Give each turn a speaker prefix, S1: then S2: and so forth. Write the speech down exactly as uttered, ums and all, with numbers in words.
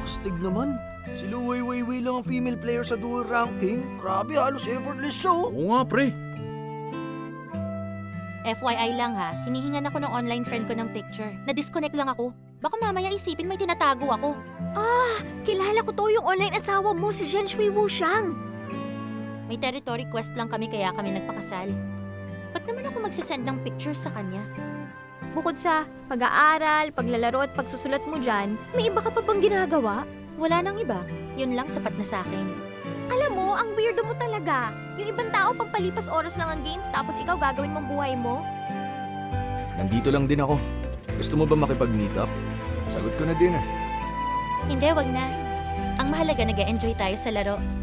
S1: Astig naman. Si Lu Wei Wei Wei lang ang female player sa dual ranking. Grabe, halos effortless siya oh.
S2: Oo nga, pre.
S3: F Y I lang ha, hinihingan ako ng online friend ko ng picture. Na-disconnect lang ako. Baka mamaya isipin may tinatago ako.
S4: Kilala ko to yung online asawa mo, si Zhen Shui Wuxiang.
S3: May territory quest lang kami kaya kami nagpakasal. Ba't naman ako magsisend ng pictures sa kanya?
S4: Bukod sa pag-aaral, paglalaro at pagsusulat mo dyan, may iba ka pa bang ginagawa?
S3: Wala nang iba. Yun lang sapat na sa akin.
S4: Alam mo, ang weirdo mo talaga. Yung ibang tao pagpalipas oras lang ang games tapos ikaw gagawin mong buhay mo.
S1: Nandito lang din ako. Gusto mo ba makipag-meet up? Sagot ko na din ah.
S3: Hindi, wag na. Ang mahalaga nag-enjoy tayo sa laro.